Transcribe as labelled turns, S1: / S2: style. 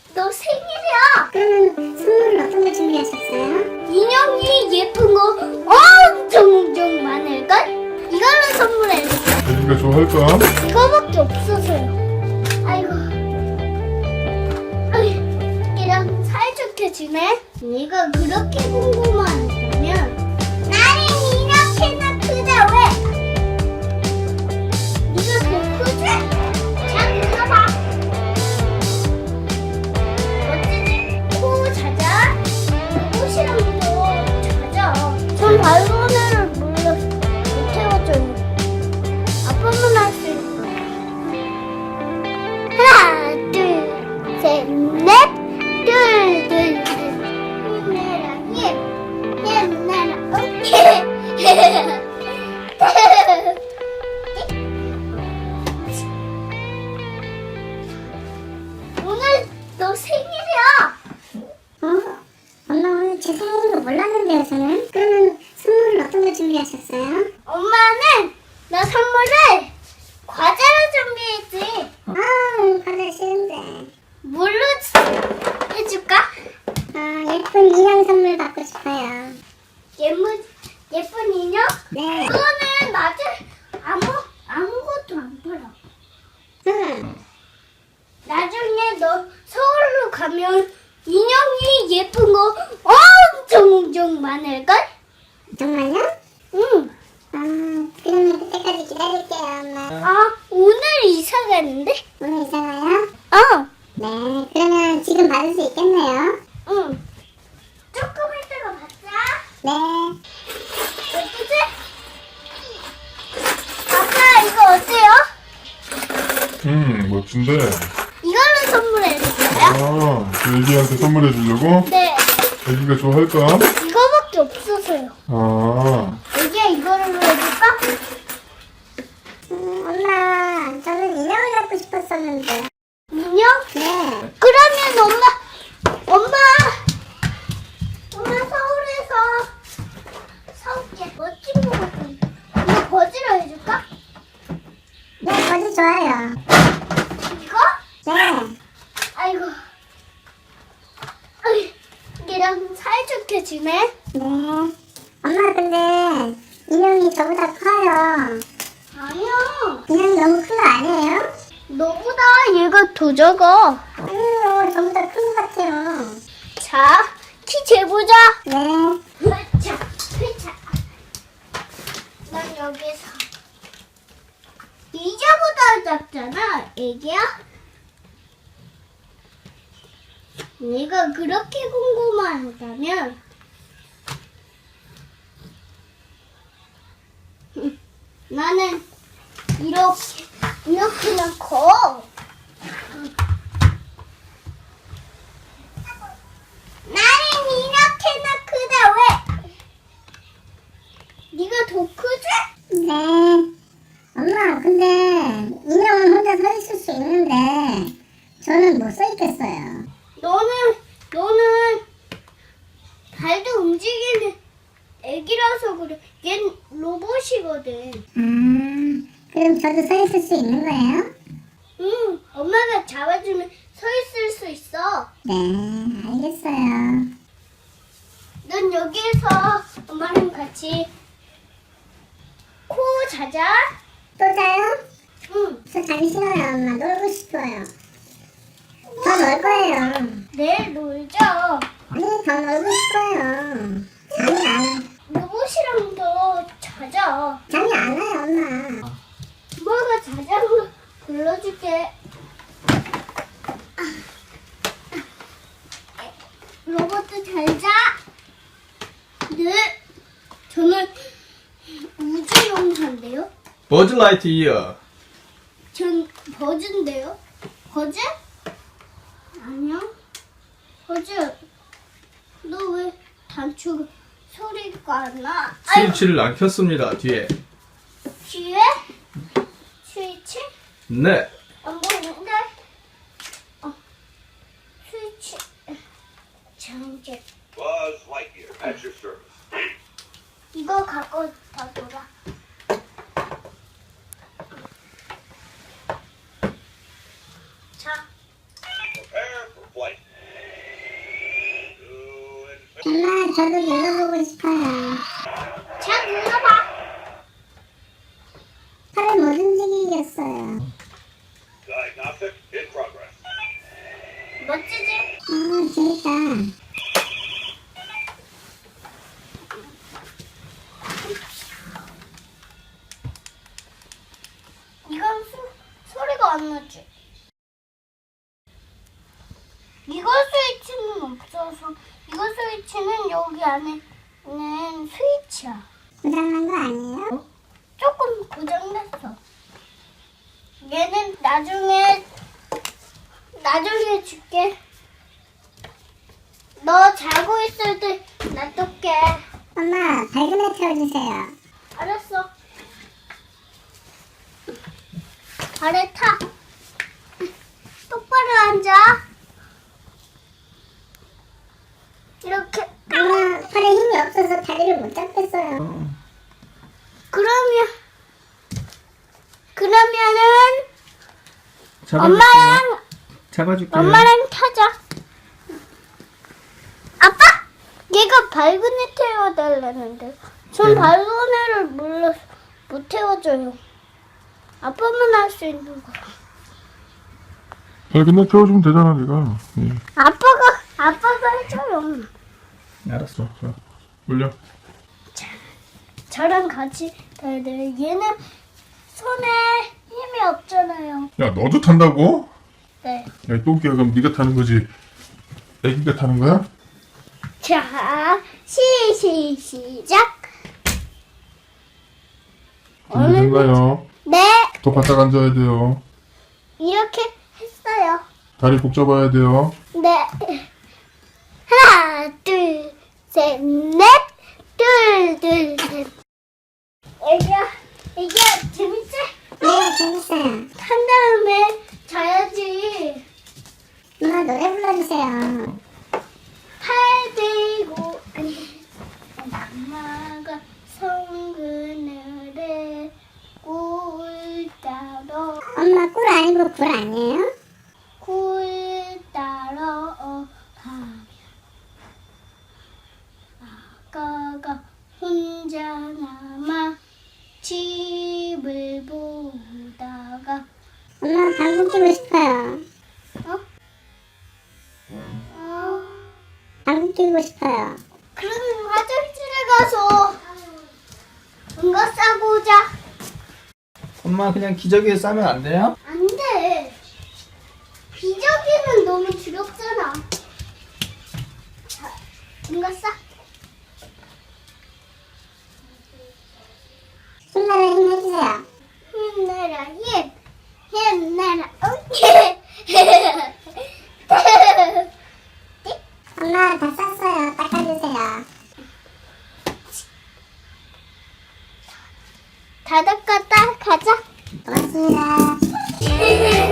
S1: 너 생일이야.
S2: 그러면 선물은 어떤 걸 준비하셨어요?
S1: 인형이 예쁜 거 엄청 많을걸? 이걸로 선물해줄게.
S3: 애기가 좋아할까?
S1: 이거밖에 없어서요. 아이고. 이랑 사이좋게 지내? 네가 그렇게 궁금하다면 나는 이렇게나 크다 왜? 네가 더 크지? 자, 가봐. 어찌지? 코 자자. 옷이랑도 자자. 전 발로네를 못 태워줘요. 아빠만 할 수 있어. 하나, 둘, 셋, 넷. 둘, 둘, 둘. 힘내라, 힘. 힘내라, 오늘 너 생일이야.
S2: 엄마 오늘 제 생일인 거 몰랐는데요, 저는? 그러면 선물은 어떤 걸 준비하셨어요?
S1: 엄마는 나 선물을 과자로 준비했지.
S2: 과자 싫은데.
S1: 뭘로 해줄까?
S2: 예쁜 인형 선물 받고 싶어요.
S1: 예쁜 인형?
S2: 네.
S1: 그거는 낮에 아무것도 안 팔아. 나중에 너 서울로 가면 인형이 예쁜 거 엄청 많을걸?
S2: 정말요?
S1: 응.
S2: 그러면 그때까지 기다릴게요, 엄마.
S1: 오늘 이사 가는데?
S2: 오늘 이사 가요?
S1: 어.
S2: 네, 그러면 지금 받을 수 있겠네요.
S1: 응. 조금 있다가 받자.
S2: 네.
S1: 예쁘지? 아빠 이거 어때요?
S3: 멋진데.
S1: 이걸로 선물해줄까요?
S3: 그 애기한테 선물해 주려고?
S1: 네.
S3: 애기가 좋아할까?
S1: 이거밖에 없어서요. 애기야 이거로 해줄까?
S2: 엄마, 저는 인형을 갖고 싶었었는데.
S1: 인형?
S2: 네.
S1: 그러면 엄마 서울에서 사올게. 멋진 거 같은데. 이거 거지로 해줄까?
S2: 네, 거지 좋아요.
S1: 이거?
S2: 네.
S1: 아이고. 얘랑 사이좋게 지내?
S2: 네. 엄마, 근데 인형이 저보다 커요.
S1: 아니야.
S2: 인형이 너무 큰 거 아니에요?
S1: 너보다 얘가 더 작아.
S2: 아니요, 저보다 큰 거 같아요.
S1: 자, 키 재보자.
S2: 네.
S1: 흐차, 흐차. 난 여기서. 이자보다 작잖아, 애기야? 네가 그렇게 궁금하다면 나는 이렇게나 커. 나는 이렇게나 크다 왜? 네가 더 크지?
S2: 네. 엄마, 근데 인형은 혼자 서 있을 수 있는데 저는 못 서 있겠어요.
S1: 너는 발도 움직이는 애기라서 그래. 얜 로봇이거든.
S2: 그럼 저도 서 있을 수 있는 거예요?
S1: 응, 엄마가 잡아주면 서 있을 수 있어.
S2: 네, 알겠어요.
S1: 넌 여기에서 엄마랑 같이 코 자자.
S2: 또 자요?
S1: 응,
S2: 저 자기 싫어요, 엄마. 놀고 싶어요. 더 놀 거예요.
S1: 내일 놀자.
S2: 아니, 더 놀고 싶어요. 잠이 안 와요.
S1: 로봇이랑도 자자.
S2: 잠이 안 와요, 엄마.
S1: 엄마가 자자고 불러줄게. 로봇도 잘 자. 네. 저는 우주용사인데요.
S4: 버즈 라이트이어.
S1: 전 버즈인데요. 버즈? 아니야. 버즈. 너 왜 단추 소리가 안 나? 아유,
S4: 스위치를 안 켰습니다. 뒤에.
S1: 뒤에? 스위치?
S4: 네.
S1: 안 보이는데? 스위치. 장제.
S5: Buzz Lightyear at your service.
S1: 이거 갖고 다 놀아. 자.
S5: Prepare for flight. To
S2: 엄마, 저도 눌러보고 싶어요.
S1: 자, 눌러봐.
S2: 팔을 못 움직이겠어요.
S5: diagnostic in progress.
S1: 멋지지?
S2: 재밌다.
S1: 이건 소리가 안 나지? 이거 스위치는 없어서 이거 스위치는 여기 안에는 스위치야.
S2: 고장난 거 아니에요?
S1: 조금 고장났어. 얘는 나중에 줄게. 너 자고 있을 때 놔둘게.
S2: 엄마, 밝은 애 태워주세요.
S1: 알았어. 발에 타. 똑바로 앉아. 이렇게.
S2: 엄마, 팔에 힘이 없어서 다리를 못 잡겠어요.
S1: 그러면은
S4: 잡아줄게요.
S1: 엄마랑 타자. 아빠? 얘가 밝은 애 태워달라는데 전
S4: 네.
S1: 밝은 애를 못 태워줘요. 아빠만 할 수 있는 거.
S3: 근데 태워주면 되잖아, 네가. 예.
S1: 아빠가 해줘요.
S4: 알았어.
S3: 자, 올려.
S1: 저랑 같이 타야 돼요. 얘는 손에 힘이 없잖아요.
S3: 야, 너도 탄다고?
S1: 네.
S3: 야, 이 똥개야, 그럼 네가 타는 거지. 애기가 타는 거야?
S1: 자, 시작.
S3: 준비된가요?
S1: 네,
S3: 더 바짝 앉아야 돼요.
S1: 이렇게 했어요.
S3: 다리 복 잡아야 돼요.
S1: 네. 하나, 둘, 셋, 넷. 둘, 셋. 이게 재밌지?
S2: 네, 재밌어요.
S1: 탄 다음에 자야지.
S2: 엄마, 노래 불러주세요.
S1: 팔 들고 엄마가 성그늘에 꿀 따러
S2: 엄마, 꿀 아니고 굴 아니에요?
S1: 꿀 따러 가면 아까가 혼자 남아 집을 보다가
S2: 엄마, 방귀 끼고 싶어요. 방귀 끼고 싶어요.
S1: 그러면 화장실에 가서 뭔가 싸고 오자.
S4: 엄마 그냥 기저귀에 싸면 안 돼요?
S1: 안 돼. 기저귀는 너무 두렵잖아. 자, 뭔가 싸.
S2: 힘나라 힘 해주세요.
S1: 힘내라 힘. 힘내라
S2: 엄마, 다 쌌어요. 닦아주세요.
S1: 다 닦았다. 가자.
S2: 고맙습니다.